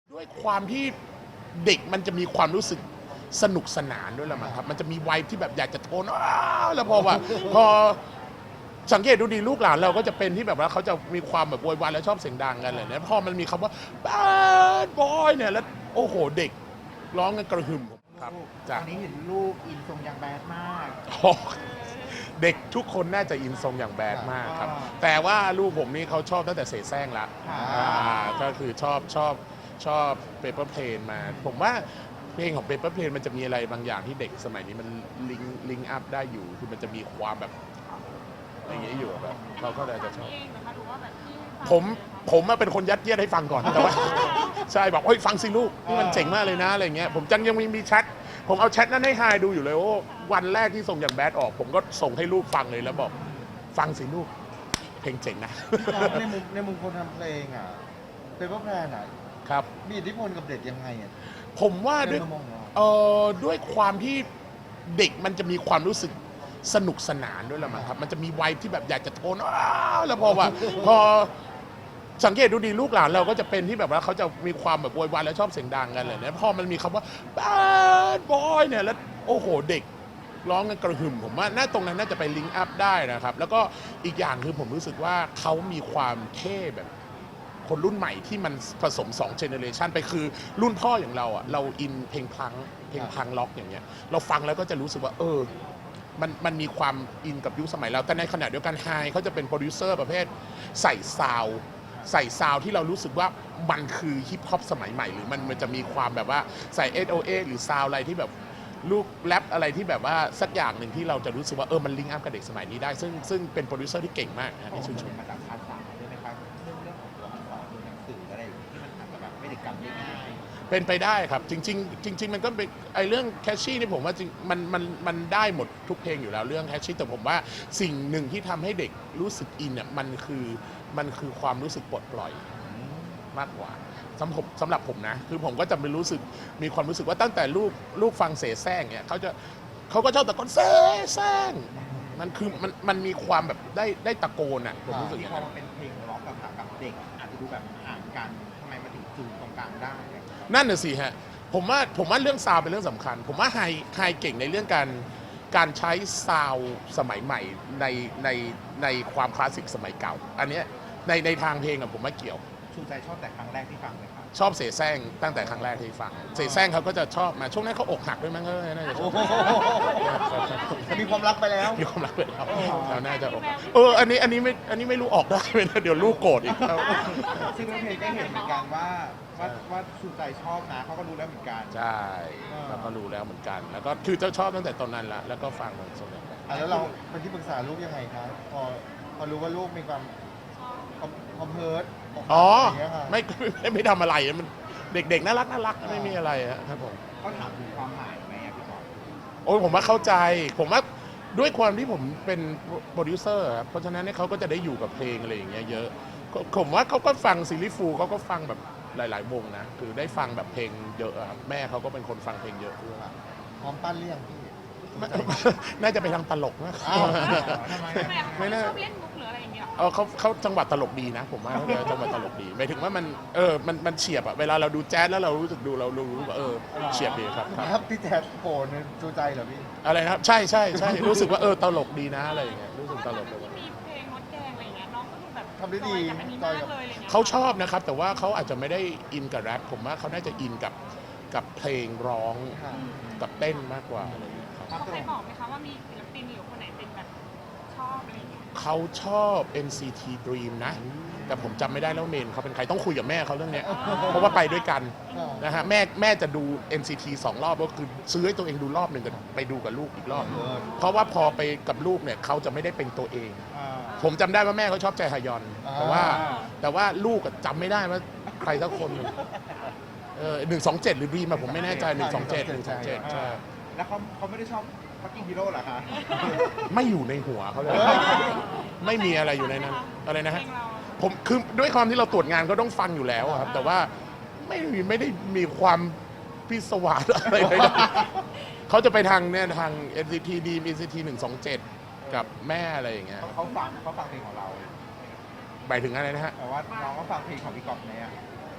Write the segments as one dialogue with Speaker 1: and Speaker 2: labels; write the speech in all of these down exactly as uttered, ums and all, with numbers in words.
Speaker 1: ด้วยความที่เด็กมันจะมีความรู้สึกสนุกสนานด้วยแหละมั้งครับมันจะมีวัยที่แบบอยากจะโทนอ้าวแล้วพอว่าพอสังเกตดูดีลูกหลานเราก็จะเป็นที่แบบว่าเขาจะมีความแบบโวยวายแล้วชอบเสียงดังกันเลยเนี่ยพอมันมีคำว่า bad boy เนี่ยแล้วโอ้โหเด็กร้องกันกระหึ่มครับ
Speaker 2: ต
Speaker 1: จ้ะ
Speaker 2: อนนี้เห็นลูกอินทรงยังแบดมาก
Speaker 1: โอ้เด็กทุกคนน่าจะอินทรงอย่างแบดมากครับ แต่ว่าลูกผมนี่เขาชอบตั้งแต่เสแสร้งละ
Speaker 2: อ่า
Speaker 1: อ่าก็คือชอบชอบชอบเปเปอร์เพลนมา ผมว่าเพลงของเปเปอร์เพลนมันจะมีอะไรบางอย่างที่เด็กสมัยนี้มันลิงลิงอัพได้อยู่ คือมันจะมีความแบบอย่างเงี้ยอยู่แบบเขาก็เลยจะชอบ
Speaker 3: เองนะคะหรือว่าแบบที่ฟัง
Speaker 1: ผมผมมาเป็นคนยัดเยียดให้ฟังก่อนแต่ว่า ใช่บอกเฮ้ยฟังสิลูกนี่มันเจ๋งมากเลยนะอะไรเงี้ยผมจังยังมีมีแชทผมเอาแชทนั้นให้ไฮดูอยู่เลยว่าวันแรกที่ส่งอย่างแบดออก ผมก็ส่งให้ลูกฟังเลยแล้วบอกฟังสิลูกเพลงเจ๋งนะ
Speaker 2: ในมุมในมุมคนทำเพลงอ่ะเปเปอร์แพลนอ่ะ
Speaker 1: ครับ
Speaker 2: มีอิทธิพลกับเด็กยังไงอ่ะ
Speaker 1: ผมว่าด้วย
Speaker 2: ในมุมมองเรา
Speaker 1: เอ่อด้วยความที่เด็กมันจะมีความรู้สึกสนุกสนานด้วยแหละมั้งครับมันจะมีวัยที่แบบอยากจะโทนอ้าวแล้วพอว่าพอสังเกตดูดีลูกหลานเราก็จะเป็นที่แบบว่าเขาจะมีความแบบโวยวายแล้วชอบเสียงดังกันเลยเนี่ยพอมันมีคำว่า bad boy เนี่ยแล้วโอ้โหเด็กร้องกันกระหึ่มผมว่าน่าตรงนั้นน่าจะไปลิงก์อัพได้นะครับแล้วก็อีกอย่างคือผมรู้สึกว่าเขามีความเท่แบบคนรุ่นใหม่ที่มันผสม2เจเนอเรชันไปคือรุ่นพ่ออย่างเราอ่ะเราอินเพลงพังเพลงพังล็อกอย่างเงี้ยเราฟังแล้วก็จะรู้สึกว่าเออมันมันมีความอินกับยุคสมัยเราแต่ในขณะเดียวกันไฮเขาจะเป็นโปรดิวเซอร์ประเภทใส่ซาวด์ใส่ซาวด์ที่เรารู้สึกว่ามันคือฮิปฮอปสมัยใหม่หรือมันมันจะมีความแบบว่าใส่ เอส โอ เอ หรือซาวด์อะไรที่แบบลูกแรปอะไรที่แบบว่าสักอย่างหนึ่งที่เราจะรู้สึกว่าเออมันลิงก์อัพกับเด็กสมัยนี้ได้ซึ่งซึ่งเป็นโปรดิวเซอร์ที่เก่งมากนะที่ชื่นชม
Speaker 2: มาจากภาษาด้วยไหมครับเรื่องเรื่องของตัวอักษรตัวหนังสืออะไรอย่างเงี้ยที่มันอาจจะแบบไม่ได้จำได้ง่าย
Speaker 1: เป็นไปได้ครับ จริง ๆ จริง ๆ มันก็เป็นไอเรื่องแคชชี่นี่ผมว่าจริงมันมันมันได้หมดทุกเพลงอยู่แล้วเรื่องแคชชี่แต่ผมว่าสิ่งหนึ่งที่ทำให้เด็กรู้สึกอินเนี่ยมันคือมันคือความรู้สึกปลดปล่อยมากกว่าสำหรับสำหรับผมนะ คือผมก็จะไม่รู้สึกมีความรู้สึกว่าตั้งแต่ลูกลูกฟังเสแสร้งเนี่ยเขาจะเขาก็ชอบตะโกนเสแสร้งมันคือมันมันมีความแบบได้ได้ตะโกนอ่ะผมรู้สึกอย่าง
Speaker 2: พอ
Speaker 1: นั้น
Speaker 2: มันเป็นเพลงร็อกกับกับเด็กอาจจะดูแบบห่างกันทำไมมาถึงจูนตรงกลางได้อะ
Speaker 1: นั่นน่ะสิฮะผมว่าผมว่าเรื่องซาวด์เป็นเรื่องสำคัญ ผมว่าไฮไฮเก่งในเรื่องการการใช้ซาวด์สมัยใหม่ในในในความคลาสสิกสมัยเก่า อันเนี้ยในในทางเพลงอะผมว่าเกี่ยว
Speaker 2: ชูใจชอบแต่ครั้งแรกที่ฟังเลยครับ
Speaker 1: ชอบเสแสร้งตั้งแต่ครั้งแรกที่ฟังเสแสร้งเขาก็จะชอบมาช่วงนั้นเขาอกหักด้วยมั้งเขาน่าจะชอบ
Speaker 2: มีความรักไปแล้ว
Speaker 1: มีความรักเลยครับเขาน่าจะอกหักเอออันนี้อันนี้ไม่อันนี้ไม่รู้ออกได้ไหมนะเดี๋ยวลูกโกรธอีกครับ
Speaker 2: ซึ่งน้องเพลงก็เห็นเหมือนกันว่าว่าว่าชูใจชอบนะเขาก็รู้แล้วเหมือนกัน
Speaker 1: ใช่แล้วก็รู้แล้วเหมือนกัน แล้วก็คือเจ้าชอบตั้งแต่ตอนนั้นละแล้วก็ฟังมันส่วนใหญ่
Speaker 2: อ่ะแล้วเราเป็นที่ปรึกษาลูกยังไงครับพอพอรู้ว่าลูกมีความคอมเพิร์ต
Speaker 1: อ๋อ
Speaker 2: ย่างเงี้ยค่ะ
Speaker 1: ไม่ไม่ไม่ทำอะไรมันเด็กๆน่ารักน่ารักไม่มีอะไรอะครับผม
Speaker 2: เขาถามถึงความหมายไหมอะพี่บอล
Speaker 1: โอ้ยผมว่าเข้าใจ ผมว่าด้วยความที่ผมเป็นโปรดิวเซอร์ครับเพราะฉะนั้นเนี่ยเขาก็จะได้อยู่กับเพลงอะไรอย่างเงี้ยเยอะก็ผมว่าเขาก็ฟังซีรีส์ฟูลเขาก็ฟังแบบหลาย ๆ วงนะคือได้ฟังแบบเพลงเยอะอะครับแม่เขาก็เป็นคนฟังเพลงเยอะด้วย
Speaker 2: พร้อมปั้นเรื่องพี่
Speaker 1: น่าจะไปทางตลกนะ
Speaker 2: อ้าวทำไม
Speaker 3: ทำไม
Speaker 2: อะ
Speaker 3: อะ
Speaker 1: ไม่
Speaker 3: เขา
Speaker 1: น่า
Speaker 3: ชอบเล่นมุกหรืออะไรอย่างเงี้ย
Speaker 1: เออเขาเขาจังหวัดตลกดีนะ ผมว่าเขาเลยจังหวัดตลกดีหมายถึงว่ามันเออมันมันเฉียบอะเวลาเราดูแจ๊สแล้วเรารู้สึกดูเรารู้ว่าเออเฉียบดีครับครับ
Speaker 2: ครับพี่แจ๊ดโผล่ในจูใจเหรอพี่
Speaker 1: อะไรนะครับใช่ใช่ใช่รู้สึกว่าเออตลกดีนะอะไรอย่างเงี้ยรู้
Speaker 3: เพ
Speaker 1: สึก
Speaker 3: ราะ
Speaker 1: ต
Speaker 3: ว่า
Speaker 1: ล
Speaker 3: ตอน
Speaker 1: ก
Speaker 3: ที่มีเพลงมดแดงอะไรอย่างเงี้ยน้องก็ดูแบบ
Speaker 2: ทำได้ดี
Speaker 3: จอยกับอันนี้มากเลยอะไรเงี้ย
Speaker 1: เขาชอบนะครับ แต่ว่าเขาอาจจะไม่ได้อินกับแรปผมว่าเขาน่าจะอินกับกับเพลงร้อง
Speaker 2: ค่ะ
Speaker 1: กับเต้นมากกว่าอะไรอย่างเงี้ยครับ
Speaker 3: เขาเคยบอกไหมคะว่ามีศิลปินหรือคนไหนเป็นแบบชอบอะไรอย่างเงี้ย
Speaker 1: เขาชอบ เอ็น ซี ที Dream นะ แต่ผมจำไม่ได้แล้วเมนเขาเป็นใครต้องคุยกับแม่เขาเรื่องเนี้ยเพราะว่าไปด้วยกันนะฮะแม่แม่จะดู เอ็น ซี ที สองรอบก็คือซื้อให้ตัวเองดูรอบหนึ่งกันไปดูกับลูกอีกรอบหนึ่งเพราะว่าพอไปกับลูกเนี่ยเขาจะไม่ได้เป็นตัวเอง
Speaker 2: อ่า
Speaker 1: ผมจำได้ว่าแม่เขาชอบใจฮยอน
Speaker 2: อ่า
Speaker 1: แต่ว่าแต่ว่าลูกอะจำไม่ได้ว่าใครสักคนหนึ่งเออหนึ่งสองเจ็ดหรือบีมาผมไม่แน่ใจหนึ่งสองเจ็ดหนึ่งสองเจ็ดใช่
Speaker 2: แล้วเขาเขาไม่ได้ชอบฟักกิ้งฮีโร่เหรอคะ
Speaker 1: ไม่อยู่ในหัวเขาเลย
Speaker 2: เฮ้ย
Speaker 1: ไม่มีอะไรอยู่ในนั้นอะไรนะฮะ
Speaker 3: เพลงเรา
Speaker 1: ผมคือด้วยความที่เราตรวจงานก็ต้องฟังอยู่แล้วอะครับ แต่ว่าไม่มีไม่ได้มีความพิศวาสอะไรเลยนะเขาจะไปทางเนี่ยทาง เอ็น ซี ที ดี เอ็น ซี ที หนึ่งสองเจ็ดกับแม่อะไรอย่างเงี้ย
Speaker 2: เขาฟังเขาฟังเพลงของเรา
Speaker 1: หมายถึงอะไรนะฮะ
Speaker 2: แต่ว่าน้องก็ฟังเพลงของพี่ก๊อฟเนี่ย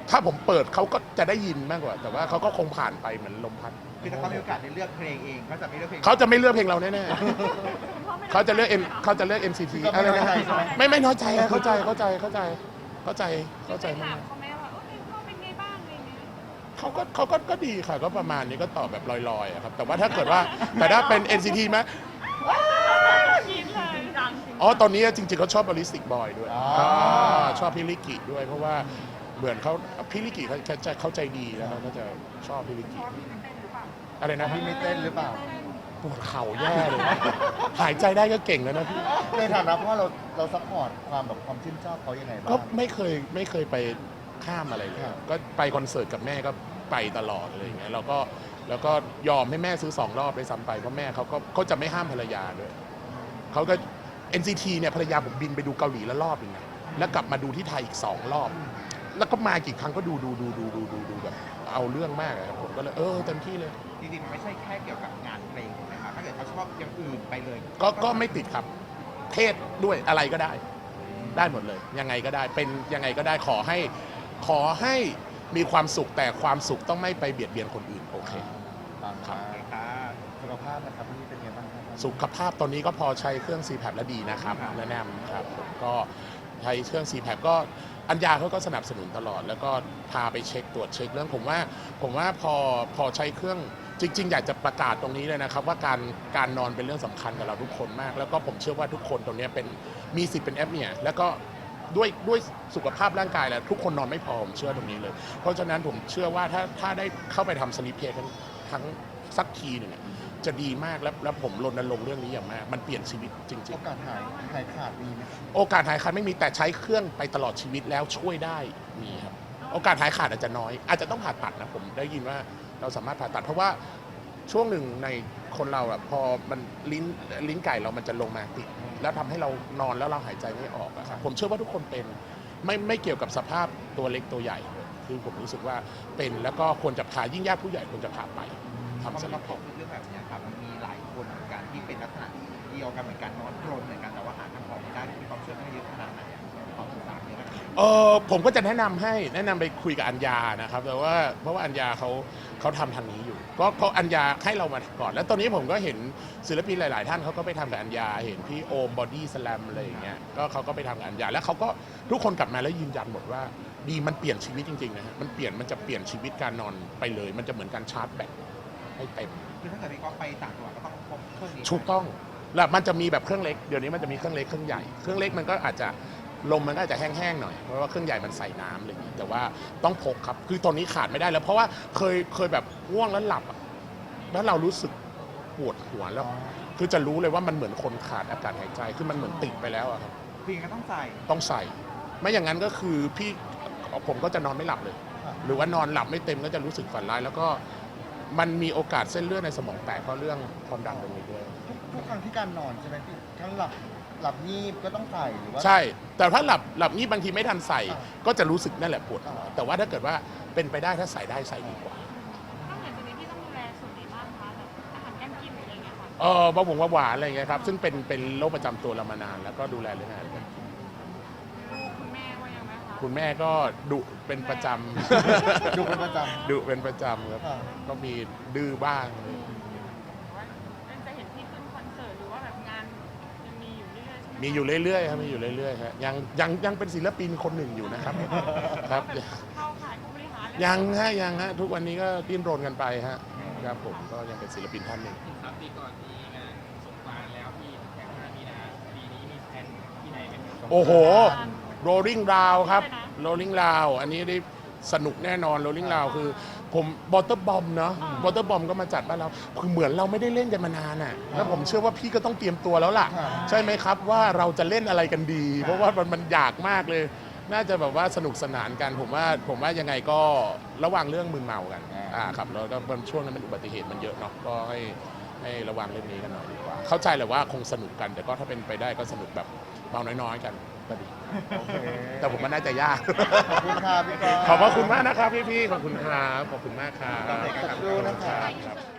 Speaker 1: ถ้าผมเปิดเขาก็จะได้ยินมากกว่า แต่ว่าเขาก็คงผ่านไปเหมือนลมพัด
Speaker 2: คือถ้าเขามีโอกาสได้เลือกเพลงเองเขาจะไม่เลือกเพลง
Speaker 1: เขาจะไม่เลือกเพลงเราแน่
Speaker 3: คุณพ่อไม่
Speaker 1: ๆเขาจะเลือกเอ็นเขาจะเลือก เอ็น ซี ที
Speaker 2: ก็
Speaker 1: อะไร
Speaker 2: ไม่
Speaker 1: นะ
Speaker 2: เข้าใจใช่ไหม
Speaker 1: ไม่ไม่น้อยใจอะเข้าใจเข้าใจเข้าใจเข้าใจเข้าใจ
Speaker 3: ถาม
Speaker 1: มาก
Speaker 3: เขาไหมว่าโอเคพ่อเป็นไงบ้างอะไรเงี้ย
Speaker 1: เขาก็เขาก็ก็ดีค่ะก็ประมาณนี้ก็ตอบแบบลอยๆอะครับแต่ว่าถ้าเกิดว่าแต่ถ้าเป็น เอ็น ซี ที ไหม
Speaker 3: กินเลยดังจริง
Speaker 1: อ๋อตอนนี้จริงๆเขาชอบบริสติกบอยด้วย
Speaker 2: อ๋อ
Speaker 1: อ่าชอบพิลิกิด้วย เพราะว่าเหมือนเขาพิลิกิเขาเขาจะเข้าใจดีแล้วเขาก็จะชอบพิลิกิอะไรนะ
Speaker 2: พี่
Speaker 1: พี่
Speaker 2: ไม่เต้นหรือเปล่า
Speaker 1: ปวดเข่าแย่เลย หายใจได้ก็เก่งแล้วนะพี่
Speaker 2: ในฐานะพ่อเราเราซัพพอร์ตความแบบความชื่นชอบเขายังไงบ้าง
Speaker 1: ก็ไม่เคยไม่เคยไปข้ามอะไรเลย
Speaker 2: ครับ
Speaker 1: ก็ไปคอนเสิร์ตกับแม่ก็ไปตลอดอะไรอย่างเงี้ยแล้วก็แล้วก็ยอมให้แม่ซื้อสองรอบไปซ้ำไปเพราะแม่เขาก็เขาจะไม่ห้ามภรรยาด้วยเขาก็ เอ็น ซี ที เนี่ยภรรยาผมบินไปดูเกาหลีแล้วรอบหนึงนะแล้วกลับมาดูที่ไทยอีกสองรอบ แล้วก็มากี่ครั้งก็ดูดูดูดูดูดูดูแบบเอาเรื่องมากอะครับผมก็เลยเออเต็มที่เลย
Speaker 4: จริงๆมันไม่ใช่แค่เกี่ยวกับงานเพลงถูกไหมครับถ้าเกิดเขาชอบอย่างอื่นไปเลย
Speaker 1: ก็ก็ไม่ติดครับ เทศด้วยอะไรก็ได้ ได้หมดเลย ยังไงก็ได้เป็นยังไงก็ได้ขอให้ขอให้มีความสุขแต่ความสุขต้องไม่ไปเบียดเบียนคนอื่นโอเค
Speaker 2: ปังครับ
Speaker 4: ค่ะ
Speaker 2: สุขภาพนะครับพี่เป็นไงบ้างครับ
Speaker 1: สุขภาพตอนนี้ก็พอใช้เครื่อง ซี แพป แล้วดีนะครับ
Speaker 4: ครับ
Speaker 1: แนะนำครับผมก็ใช้เครื่อง ซี แพป ก็อัญญาเขาก็สนับสนุนตลอด แล้วก็พาไปเช็คตรวจเช็คเรื่องผมว่าผมว่าพอพอใช้เครื่องจริง ๆ อยากจะประกาศตรงนี้เลยนะครับ ว่าการการนอนเป็นเรื่องสำคัญกับเราทุกคนมาก แล้วก็ผมเชื่อว่าทุกคนตรงนี้เป็นมีสิทธิ์เป็นแอปเนี่ยแล้วก็ด้วยด้วยสุขภาพร่างกายแล้วทุกคนนอนไม่พอผมเชื่อตรงนี้เลย เพราะฉะนั้นผมเชื่อว่าถ้าถ้าได้เข้าไปทำสลิปเพย์ทั้งทั้งสักทีหนึ่งอะจะดีมากแล้วแล้วผมรณรงค์เรื่องนี้อย่างมากมันเปลี่ยนชีวิตจริง
Speaker 2: โอกาสหายหายขาดมีไหม
Speaker 1: ๆ โอกาสหายขาดไม่มีแต่ใช้เครื่องไปตลอดชีวิตแล้วช่วยได้มีครับโอกาสหายขาดอาจจะน้อย อาจจะต้องผ่าตัดนะผมได้ยินว่าเราสามารถผ่าตัด เพราะว่าช่วงหนึ่งในคนเราอะพอมันลิ้นลิ้นไก่เรามันจะลงมาติดแล้วทำให้เรานอนแล้วเราหายใจไม่ออกอะครับผมเชื่อว่าทุกคนเป็นไม่ไม่เกี่ยวกับสภาพตัวเล็กตัวใหญ่คือผมรู้สึกว่าเป็นแล้วก็ควรจะผ่ายิ่งญาติผู้ใหญ่ควรจะผ่าไป
Speaker 4: ทำ
Speaker 1: ทำส
Speaker 4: สำห
Speaker 1: ลิ
Speaker 4: รับ
Speaker 1: ปเพ
Speaker 4: ผม
Speaker 1: ย์
Speaker 4: เรื่องแบบเนี้ยครับมันมีหลายคนเหมือนกันที่เป็นลักษณะเดียวกันเหมือนกันนอนกรนเหมือนกันแต่ว่าหาทางออกไม่ได้มีความเชื่อมั่นเยอะขนาดไหนอะความศึกษาเนี่ยนะครับ
Speaker 1: เออผมก็จะแนะนำให้แนะนำไปคุยกับอัญญานะครับแต่ว่าเพราะว่าอัญญาเขาเขาทำทางนี้อยู่ก็เพราะอัญญาให้เรามาก่อน แล้วตอนนี้ผมก็เห็นศิลปินหลาย ๆ ท่านเขาก็ไปทำกับอัญญาเห็นพี่โอมบอดี้สแลมอะไรอย่างเงี้ยก็เขาก็ไปทำกับอัญญาแล้วเขาก็ทุกคนกลับมาแล้วยืนยันหมดว่าดีมันเปลี่ยนชีวิตจริง ๆ นะฮะมันเปลี่ยนมันจะเปลี่ยนชีวิตการนอนไปเลย มันจะเหมือนการชาร์จแบตให้เต็ม
Speaker 4: คือถ้าเกิดพี่ก๊อฟไปต่างจังหวัดก็ต้องพกเครื่องนี้
Speaker 1: ถูกต้องแล้วมันจะมีแบบเครื่องเล็กเดี๋ยวนี้มันจะมีเครื่องเล็กเครื่องใหญ่เครื่องเล็กมันก็อาจจะลมมันก็อาจจะแห้งๆหน่อยเพราะว่าเครื่องใหญ่มันใส่น้ำอะไรอย่างนี้แต่ว่าต้องพกครับคือตอนนี้ขาดไม่ได้แล้วเพราะว่าเคยเคยแบบง่วงแล้วหลับอะแล้วเรารู้สึกปวดหัวแล้ว คือจะรู้เลยว่ามันเหมือนคนขาดอากาศหายใจคือมันเหมือนติดไปแล้วอะครับ
Speaker 4: คือยังไงก็ต้องใส่
Speaker 1: ต้องใส่ ไม่อย่างนั้นก็คือพี่ผมก็จะนอนไม่หลับเลย
Speaker 2: ครับ
Speaker 1: หรือว่านอนหลับไม่เต็มก็จะรู้สึกฝันร้ายแล้วก็มันมีโอกาสเส้นเลือดในสมองแตกเพราะเรื่องความดันตรงนี้ด้วย
Speaker 2: ทุกทุกครั้งที่การนอนใช่ไหมพี่ทั้งหลับหลับงีบก็ต้องใส่หรือว่า
Speaker 1: ใช่ แต่ถ้าหลับหลับนี่บางทีไม่ทันใส่
Speaker 2: อ่า
Speaker 1: ก็จะรู้สึกนั่นแหละปวดหัว
Speaker 2: อ่า
Speaker 1: แต่ว่าถ้าเกิดว่าเป็นไปได้ถ้าใส่ได้ใส่ดีกว่า
Speaker 3: นอกจากนี้พี่ต้องดูแลส่วนไหนบ้างคะแบบอาหารการกินหรืออะไรเงี้ยค่ะ
Speaker 1: เออเบาหวงเบาหวานอะไรอย่างเงี้ยครับ ซึ่งเป็นเป็นโรคประจำตัวเรามานาน แล้วก็ดูแลเรื่องอาหารการกิน
Speaker 3: ลูกคุณแม่ว่ายังไงคะ
Speaker 1: คุณแม่ก็ดุเป็นประจำ
Speaker 2: ดูเป็นประจ
Speaker 1: ดุเป็นประจำครับ
Speaker 2: อ่า
Speaker 1: ก็มีดื้อบ้าง
Speaker 3: ว่าจะเห็นพี่ขึ้นคอนเสิร์ตหรือว่าแบบงานยังมีอยู่เรื่อยๆใช่ไหม
Speaker 1: มีอยู่เรื่อยๆครับมีอยู่เรื่อยๆครับยังยังยังเป็นศิลปินคนหนึ่งอยู่นะครับ ครับ
Speaker 3: เข้าขายผู้บริหารแล้ว
Speaker 1: ยังฮะยังฮะทุกวันนี้ก็ดิ้นรนกันไปฮะครับผมก็ยังเป็นศิลปินท่านหนึ่ง
Speaker 5: ครับปีก่อนมีงานสงกรานต์แล้วพี่แค่ห้ามีนาปีนี้มีแผนที่ไหนไหมครับ
Speaker 1: โอ้โห rolling round ครับ rolling round อันนี้ได้สนุกแน่นอน rolling round คือผมบอเตอร์บอมเนาะบอเตอร์บอมก็มาจัดบ้านเราคือเหมือนเราไม่ได้เล่นกันมานานอ่ะแล้วผมเชื่อว่าพี่ก็ต้องเตรียมตัวแล้วล่ะ
Speaker 2: ครับ
Speaker 1: ใช่ไหมครับว่าเราจะเล่นอะไรกันดี เพราะว่ามันมันอยากมากเลย น่าจะแบบว่าสนุกสนานกัน ผมว่าผมว่ายังไงก็ระวังเรื่องมึนเมากันอ่าครับแล้วก็มันช่วงนั้นมันอุบัติเหตุมันเยอะเนาะก็ให้ให้ระวังเรื่องนี้กันหน่อยดีกว่า เข้าใจแหละว่าคงสนุกกัน แต่ก็ถ้าเป็นไปได้ก็สนุกแบบเบาน้อยๆกันก็ดี
Speaker 2: ำโอเค
Speaker 1: แต่ผมว่าน่าจะยาก
Speaker 2: ขอบคุณค่ะพี่กอล์ฟ
Speaker 1: ขอบพระคุณมากนะครับพี่ๆ ขอบคุณครับ ขอบคุณมากครับ
Speaker 2: ขอบคุณนะครับ
Speaker 1: ครับ